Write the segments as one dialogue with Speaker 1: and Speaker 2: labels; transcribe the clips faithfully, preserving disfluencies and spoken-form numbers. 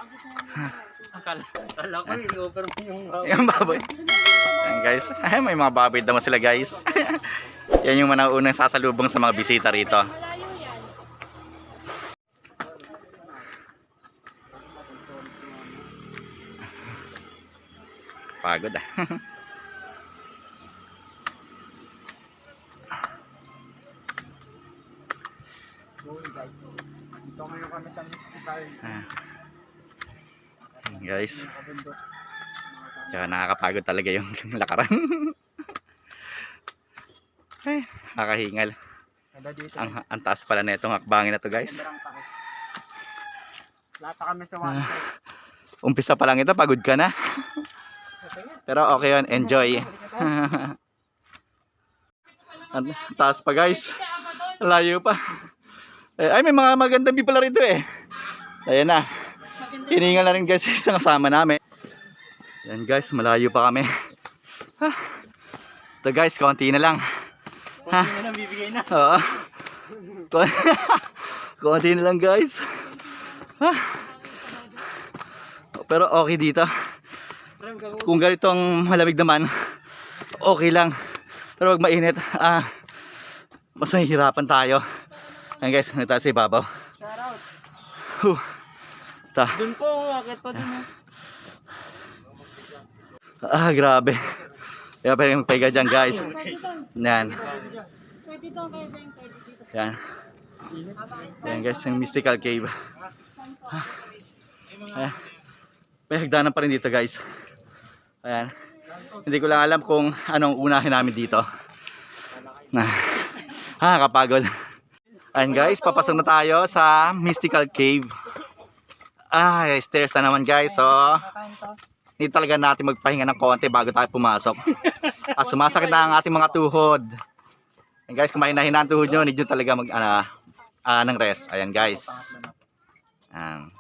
Speaker 1: Akala, akala ko i-offer mo yung baboy.
Speaker 2: Yung baboy. Yan guys. Ay, may mga baboy naman sila guys. Yan yung mga unang sasalubong sa mga bisita rito. Pagod ah.
Speaker 1: Ito ngayon kami sa mystical.
Speaker 2: Ah. Guys. Tsaka nakakapagod talaga yung lakaran. Ay, nakakahingal. Ang, ang taas pala na itong hakbangin na to guys.
Speaker 1: Lahat kami sa one side.
Speaker 2: Uh, umpisa pa lang ito, pagod ka na. Pero okay yun, enjoy. Ang taas pa guys. Layo pa. Ay, may mga magandang view pala rito eh. Ayan na. Hiningal na rin guys isang kasama namin. Ayan guys, malayo pa kami. Ha. Ito guys, konti na lang. Ha?
Speaker 1: Konti na lang bibigay na.
Speaker 2: Oo. Konti na lang guys. Ha. Pero okay dito. Kung ganitong malamig naman, okay lang. Pero wag mainit. Ah, mas mahihirapan tayo. Ayan guys, nagtaas sa ibabaw.
Speaker 1: Shout out.
Speaker 2: Huh. Ta.
Speaker 1: Dun po, akit pa dun.
Speaker 2: Ah, grabe. Kaya pwede magpahiga dyan guys. Yan. Yan. Yan guys, yung mystical cave. Ayan. May hagdanan pa rin dito guys. Ayan. Hindi ko lang alam kung anong unahin namin dito. Ah, kapagod. Ayan guys, papasok na tayo sa mystical cave. Ah, stairs na naman guys. So, hindi talaga natin magpahinga ng konti bago tayo pumasok. Ah, sumasakit na ang ating mga tuhod. Ayan guys, kung mahina-hina ang tuhod nyo, need nyo talaga mag, ano, ah, ng rest. Ayan guys. Ayan.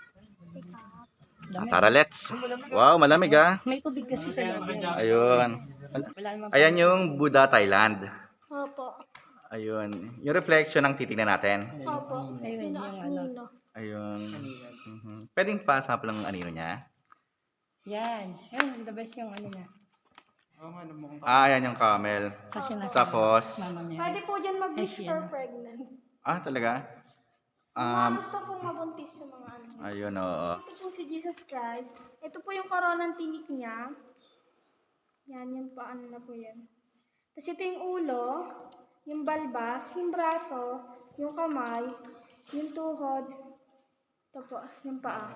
Speaker 2: Ah, tara, let's. Wow, malamig ah.
Speaker 3: May tubig kasi sa loob.
Speaker 2: Ayun. Ayan yung Buddha Thailand.
Speaker 3: Opo.
Speaker 2: Ayun. Yung reflection ang titignan natin.
Speaker 3: Opo. Ayun yung ano.
Speaker 2: Ayun. Mhm. Pwedeng pa-sample ang anino niya.
Speaker 3: Yan. Yan, the best yung ano niya.
Speaker 2: Ah, ayan yung camel.
Speaker 3: Kasi nasa
Speaker 2: Tapos,
Speaker 3: mama niya.
Speaker 4: Pwede po dyan mag-wish
Speaker 3: Ay, yan.
Speaker 4: for pregnant.
Speaker 2: ah, talaga?
Speaker 4: Um,
Speaker 2: Um,
Speaker 4: gusto pong mabuntis sa mga ano.
Speaker 2: ayun, oo.
Speaker 4: Ito po si Jesus Christ. Ito po yung koronang tinik niya. Yan, yung paano na po yan. Tapos ito yung ulo, yung balbas, yung braso, yung kamay, yung tuhod. Ito po, yung paa.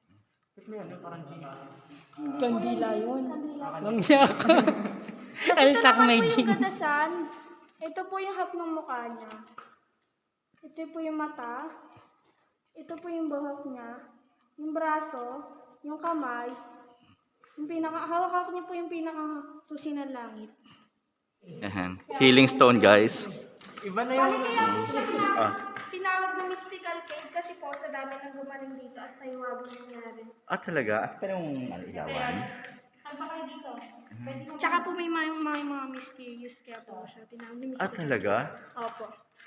Speaker 3: Kandila yun.
Speaker 4: Kandila.
Speaker 3: Langyak.
Speaker 4: Tapos ito
Speaker 3: Altak
Speaker 4: naman
Speaker 3: may
Speaker 4: po yung
Speaker 3: jing.
Speaker 4: kadasan. Ito po yung hap ng mukha niya. Ito po yung mata. Ito po yung buhok niya. Yung braso. Yung kamay. Yung pinaka, hawak niya po yung pinaka susi ng langit.
Speaker 2: Ayan. Healing stone, guys.
Speaker 1: Iba na yung...
Speaker 4: Bali kaya po siya tinawag,
Speaker 2: Ah.
Speaker 4: tinawag na mystical cave kasi po sa dami ng gumaling dito at sa iwabong nangyari.
Speaker 2: Ah, talaga? Ah, pero yung ano, ilawan.
Speaker 4: Saan pa kayo dito? Tsaka po may mga, mga, mga mysterious kaya po siya tinawag na
Speaker 2: Ah,
Speaker 4: mystical.
Speaker 2: talaga?
Speaker 4: Opo.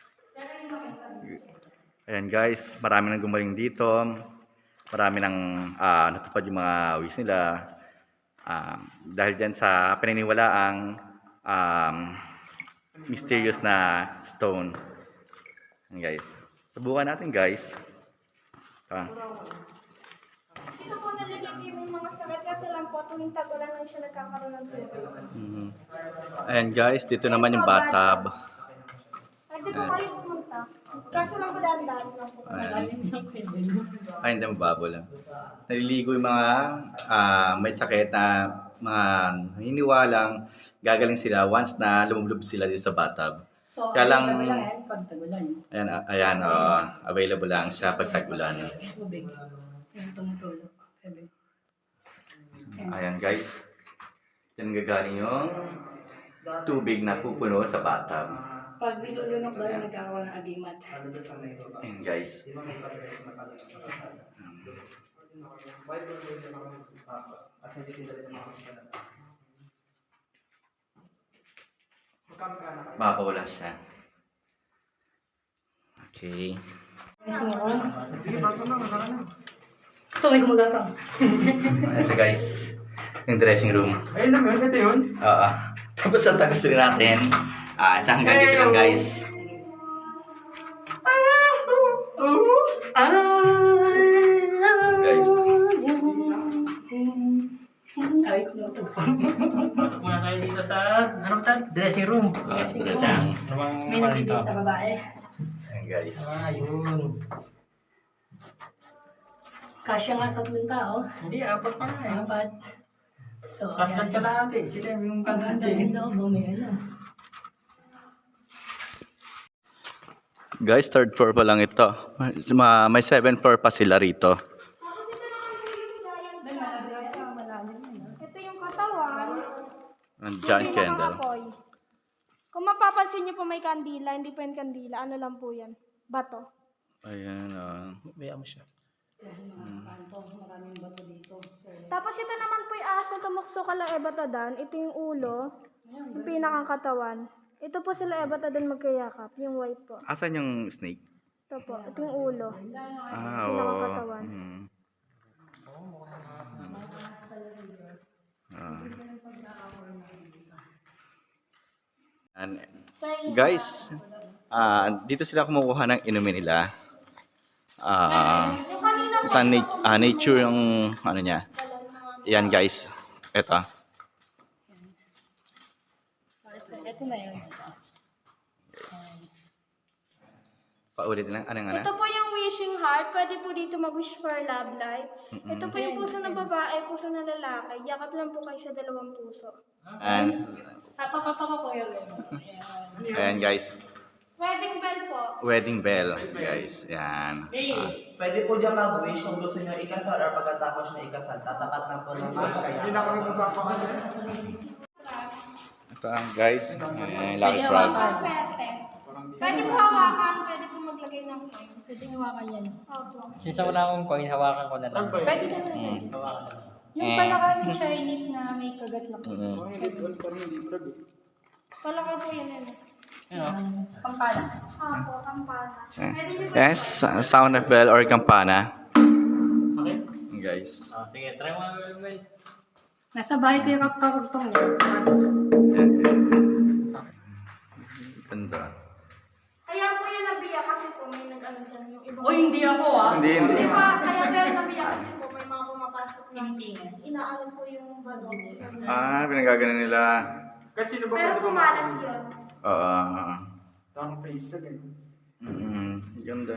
Speaker 2: Ayan, guys. Marami nang gumaling dito. Marami nang ah, natupad yung mga wish nila. Ah, dahil dyan sa paniniwalaang um, mysterious na stone. Ayan, guys. Subukan natin, guys. Ah.
Speaker 4: Dito po nalagyan yung mga sakit kasi lang po tuwing tag-ulan lang siya nagkakaroon ng tubig.
Speaker 2: Mhm. Ayan, guys. Dito naman yung bathtub.
Speaker 4: Ay, dito kayo pumunta. Kaso lang po dahan-dahan lang po.
Speaker 2: Ayan. Ay, hindi mababo lang. Naliligo yung mga ah, may sakit na mga naniniwalang gagaling sila once na lumublob sila dito sa bathtub.
Speaker 3: So,
Speaker 2: Kaya lang-
Speaker 3: available lang yan pag tagulan.
Speaker 2: Ayan, ah, ayan oh, available lang siya pag tag-ulan.
Speaker 3: Tubig. Yung tumutulog. Sabi.
Speaker 2: Ayan, guys. Diyan gagaling yung tubig na pupuno sa bathtub.
Speaker 3: Pag nilulunok daw, nagkakaroon ng agimat.
Speaker 2: Ayan, guys. Mapawala siya. Okay.
Speaker 3: Kasi nga, So, may gumagapang.
Speaker 2: Ayan siya guys. Yung dressing room.
Speaker 1: Ayun lang yun, ito yun.
Speaker 2: Oo. Tapos ang tagos rin natin. Ah, ito hanggang dito lang guys.
Speaker 3: Ah!
Speaker 2: Guys.
Speaker 3: Ay, no.
Speaker 1: Pasok muna tayo dito sa, ano ba tayo? Dressing room.
Speaker 2: Ah, dressing room.
Speaker 3: May nagbibigay sa babae.
Speaker 2: Ayan guys.
Speaker 1: Ah, yun.
Speaker 3: Kasya nga tatlong tao.
Speaker 1: Hindi, apat pa nga eh.
Speaker 3: Apat. So,
Speaker 1: Tatlat ka
Speaker 3: ayan.
Speaker 1: lang ate. Sila yung
Speaker 3: Ang ganda
Speaker 1: kanti.
Speaker 3: yung loob. oh, May ano.
Speaker 2: Guys, third floor pa lang ito. Ma- May seventh floor pa sila rito.
Speaker 4: Ito yung katawan.
Speaker 2: Ang
Speaker 4: Yung
Speaker 2: giant candle.
Speaker 4: pinakaapoy. Kung mapapansin niyo po may kandila, hindi po yan kandila. Ano lang po yan? Bato.
Speaker 2: Ayan. ah.
Speaker 1: Bayaan mo siya.
Speaker 4: Tapos ito naman po yung aso tumukso kala ebatadan. Ito yung ulo. Yung pinakang katawan. Ito po sila ebatadan magkayakap. Yung white po.
Speaker 2: Asan yung snake?
Speaker 4: Ito po. Ito yung ulo.
Speaker 2: Ah, oo.
Speaker 4: Pinakakatawan.
Speaker 2: Mm. Ah. And, guys, ah dito sila kumukuha ng inumin nila. Ah,
Speaker 4: Yung kanina po,
Speaker 2: sa nat- ah, nature yung ano niya. Yan guys. Ito.
Speaker 3: Ito na yun.
Speaker 2: Paulit lang. Anong ano?
Speaker 4: ito po yung wishing heart. Pwede po dito mag-wish for love life. Ito po yung puso ng babae, puso ng lalaki. Yakap lang po kayo sa dalawang puso.
Speaker 2: And,
Speaker 3: Napakataka ko yun.
Speaker 2: ayan guys.
Speaker 4: Wedding bell po.
Speaker 2: Wedding bell, guys. Yan. Ah.
Speaker 5: Pwede po dyan mag-wish kung gusto nyo ikasal or pagkatapos nyo ikasal. Tatapat na po naman.
Speaker 1: Hindi na kami magpapakasal.
Speaker 2: Ito ang guys. Ayan, lucky frog.
Speaker 4: Swerte. Pwede po hawakan, pwede po maglagay ng coins.
Speaker 3: Pwede hawakan yan.
Speaker 4: Opo.
Speaker 1: Since wala akong coin, hawakan ko na lang.
Speaker 3: Pwede na
Speaker 2: Mm.
Speaker 3: yan.
Speaker 1: Hawakan na lang.
Speaker 3: Yung palaka ng Chinese na may kagat na
Speaker 2: Mm-mm.
Speaker 4: Palaka po yan. Ano?
Speaker 1: Ano?
Speaker 3: pampala.
Speaker 4: Opo, kampana. Pwede nyo po.
Speaker 2: Yes, sound of bell or campana.
Speaker 1: Sakit?
Speaker 2: Guys.
Speaker 1: Ah, sige, try mo nga gawin.
Speaker 3: Nasa bahay ko yung kapagpang niya.
Speaker 2: Yan, yan. Ganda.
Speaker 4: Kaya po yan nabiya kasi po may nag-ano dyan yung ibang...
Speaker 3: Uy, hindi ako ah.
Speaker 2: Hindi, hindi.
Speaker 4: Di ba, kaya po yan nabiya kasi po may mga pumapasok na
Speaker 3: Tinitingas.
Speaker 4: inaalam po yung bato.
Speaker 2: Ah, pinagagana nila.
Speaker 1: Kahit sino ba
Speaker 4: Pero
Speaker 1: pwede
Speaker 4: pumalas
Speaker 1: pumasok?
Speaker 4: yun.
Speaker 2: Oo.
Speaker 1: Tamang face tag eh.
Speaker 2: Mm, ganda.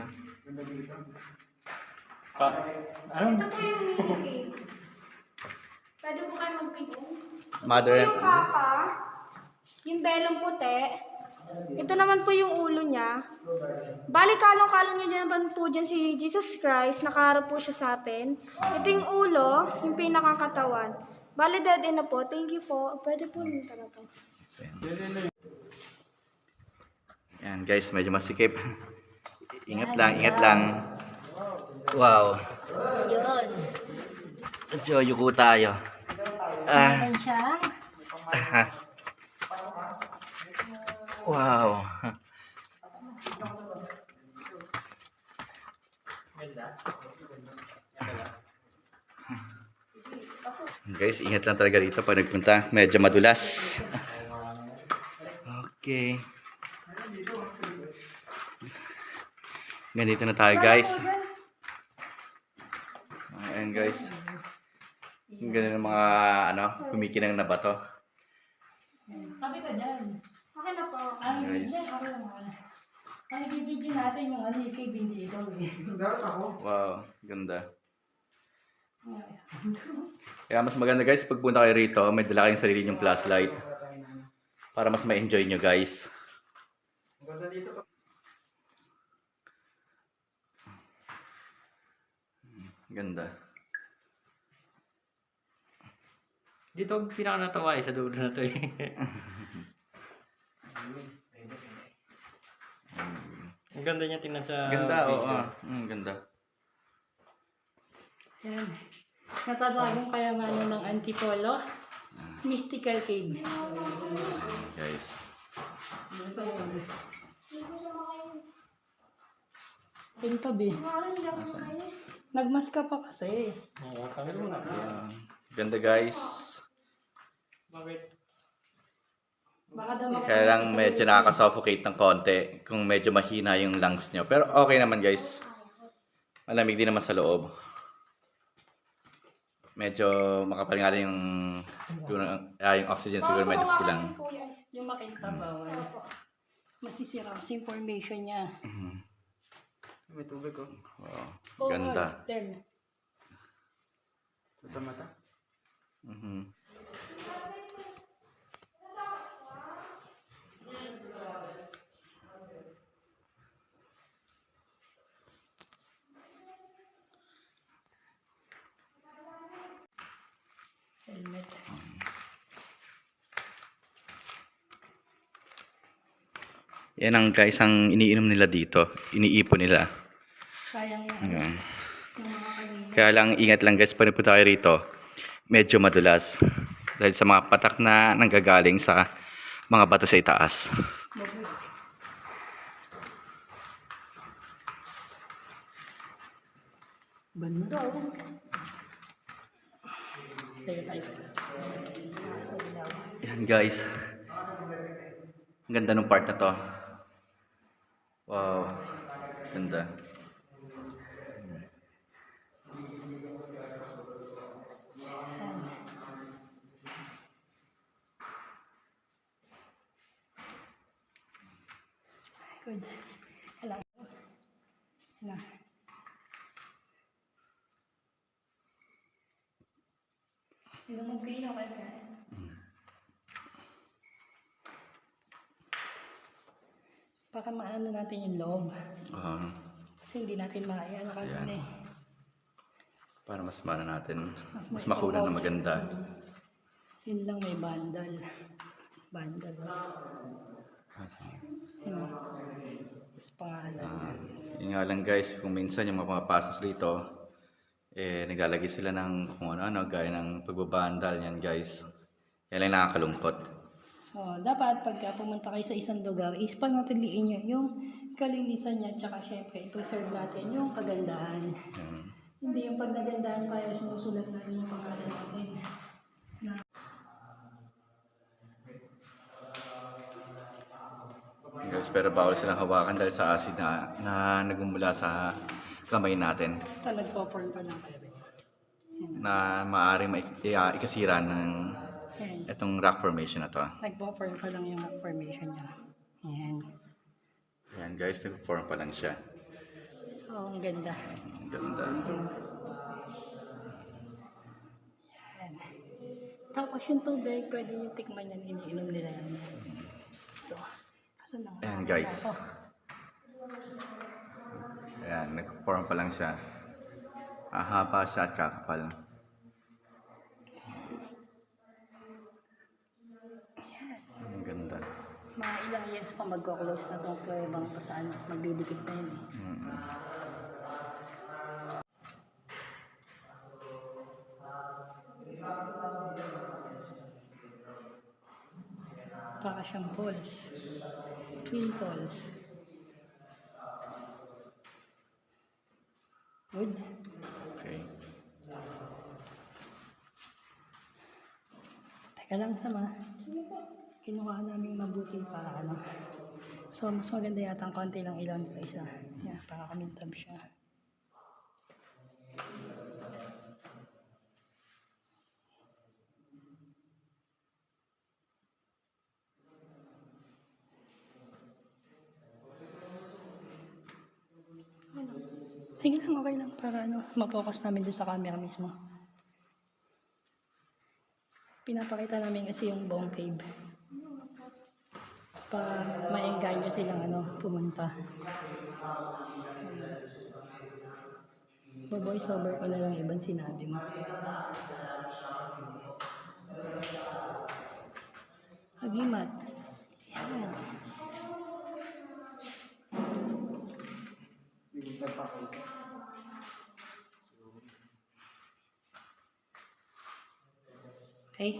Speaker 1: Pa, ano?
Speaker 4: Ito po yung mini cake. Pwede po kayo magpigil.
Speaker 2: Mother
Speaker 4: Ito
Speaker 2: and...
Speaker 4: yung kapa, yung belong puti. Ito naman po yung ulo niya. Bali, kalong-kalong niya dyan po dyan si Jesus Christ. Nakaharap po siya sa atin. Ito yung ulo, yung pinakakatawan. Bali, dead end na po. Thank you po. Pwede po rin talaga.
Speaker 2: Yan guys, medyo masikip. Ingat lang, ingat lang. Wow.
Speaker 3: Yun.
Speaker 2: Medyo yuko tayo. Ah.
Speaker 3: Yan siya.
Speaker 2: Wow. Guys, ingat lang talaga dito pag nagpunta. Medyo madulas. Okay. Ganito na tayo guys. Ayan guys. Ang ganda ng mga ano, kumikinang na bato.
Speaker 3: Sabi ka dyan.
Speaker 4: Okay na po.
Speaker 3: Ay,
Speaker 2: Nice.
Speaker 3: dyan. Ako lang ah. Ang ibibidyo natin yung ano, ikay bindi ikaw eh.
Speaker 2: Wow, ganda. Kaya mas maganda guys, pagpunta kayo rito, may dala kayong sarili nyong flashlight. Para mas ma-enjoy nyo guys. Ganda.
Speaker 1: Dito ang pinaka natawa eh, sa dulo na to eh. Ang ganda niya tingnan sa
Speaker 2: Ganda, oo.
Speaker 1: picture.
Speaker 2: Mm, ganda.
Speaker 3: Yan. Natatagong kayamanan ng Antipolo. Mystical Cave.
Speaker 2: Guys.
Speaker 3: So, Pintabi.
Speaker 4: Mga rin, hindi ako makain eh.
Speaker 3: Nagmas ka pa kasi.
Speaker 1: Oo, kami mo na.
Speaker 2: Ayan. Ganda guys.
Speaker 1: Bakit?
Speaker 3: Baka daw makita
Speaker 2: Kaya lang
Speaker 3: mo sa
Speaker 2: medyo
Speaker 3: YouTube.
Speaker 2: nakaka-suffocate ng konti kung medyo mahina yung lungs nyo. Pero okay naman guys. Malamig din naman sa loob. Medyo makapal nga rin yung, yung, ah, yung oxygen siguro medyo kulang.
Speaker 3: Yung makita bawal. Masisira kasi information niya.
Speaker 1: May tubig ko.
Speaker 2: Oh, ganda.
Speaker 3: Then,
Speaker 1: Sa mata.
Speaker 2: Mhm.
Speaker 3: helmet.
Speaker 2: Yan ang guys ang iniinom nila dito. Iniipon nila.
Speaker 3: Sayang yan.
Speaker 2: Ayan.
Speaker 3: Yung mga kanina.
Speaker 2: Kaya lang ingat lang guys pag napunta kayo rito. Medyo madulas. Dahil sa mga patak na nanggagaling sa mga bato sa itaas.
Speaker 3: Baboy. Banda oh. Kaya tayo. Sa ilaw.
Speaker 2: Yan guys. Ang ganda ng part na to. Wow. Ganda.
Speaker 3: Good. Alam ko. Na. Yung magpino ka na. Baka maano natin yung loob.
Speaker 2: Ah,
Speaker 3: Kasi hindi natin maayano kanina eh.
Speaker 2: para mas mana natin.
Speaker 3: Mas
Speaker 2: Mas
Speaker 3: may
Speaker 2: makunan na
Speaker 3: promote.
Speaker 2: maganda.
Speaker 3: Yun lang may bandal. Bandal. Yun. Tapos pangalan.
Speaker 2: Ah, yun nga lang guys, kung minsan yung mga pumapasok rito, eh, naglalagay sila ng kung ano-ano, gaya ng pagbabandal yan guys. Yan lang nakakalungkot.
Speaker 3: So, dapat pagka pumunta kayo sa isang lugar, is panatiliin nyo yung kalinisan niya, tsaka syempre, i-preserve natin yung kagandahan.
Speaker 2: Yan.
Speaker 3: Hindi yung pag nagandahan tayo, sinusulat natin yung pangalan natin.
Speaker 2: Yan guys, pero bawal silang hawakan dahil sa acid na, na nagmumula sa kamay natin
Speaker 3: Ito, nagpo-form pa lang kayo.
Speaker 2: na maaaring maik- i- ah, ikasira ng
Speaker 3: Ayan.
Speaker 2: itong rock formation na to.
Speaker 3: Nagpo-form pa lang yung formation niya. Ayan.
Speaker 2: Yan guys, nag-form pa lang siya.
Speaker 3: So, ang ganda.
Speaker 2: Ang ganda.
Speaker 3: Ayan. Tapos yung tubig, pwede nyo tikman yan, iniinom nila yan. Ito. Kaso na.
Speaker 2: Ayan guys. Ayan, nag-form pa lang siya. Ahaba siya at kakapal. Ang ganda.
Speaker 3: Mga ilang years pa magko-close na itong kuwebang pa sa ano, magdidikit na yun eh.
Speaker 2: Mm.
Speaker 3: Para siyang falls. Twin falls. Good.
Speaker 2: Okay.
Speaker 3: Teka lang sama. Kinuha namin mabuti para ano. So, mas maganda yata ang konti lang ilan kaysa. Yeah, para kamintab siya. Sige lang, okay lang para ano, ma-focus namin dun sa camera mismo. Pinapakita namin kasi yung buong cave. Para ma-engganyo silang ano, pumunta. Bo-voice over ko na lang ibang sinabi mo. Hagimat. Yan. Okay.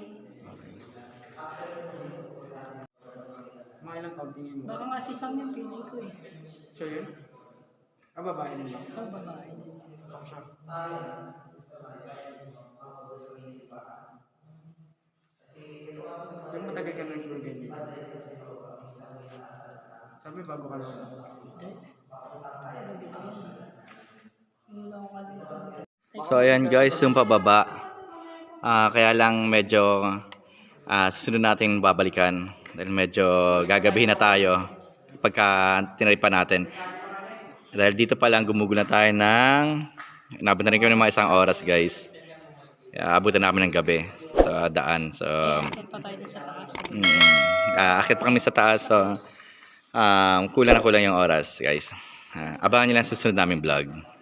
Speaker 1: Mga ilang taon tingin mo?
Speaker 3: Baka nga si Sam yung feeling ko eh.
Speaker 1: Siya yun?
Speaker 6: Ah, babae nila.
Speaker 3: Oh, babae din.
Speaker 6: Diyan matagal ka nang tour guide dito. Sabi bago ka lang.
Speaker 3: Hindi. Taga dito yun. Yung local dito.
Speaker 2: So ayan guys, yung pababa. Ah, kaya lang medyo ah, susunod natin babalikan dahil medyo gagabihin na tayo pagka tinaripan natin. Dahil dito pa lang gumugol na tayo ng inabot na rin kami ng mga isang oras guys. Kaya abutan namin ng gabi sa daan. So
Speaker 3: Akit pa tayo dun sa taas.
Speaker 2: mm, ah, akit pa kami sa taas. So um, kulang na kulang yung oras guys. Ah, abangan nyo lang sa susunod namin vlog.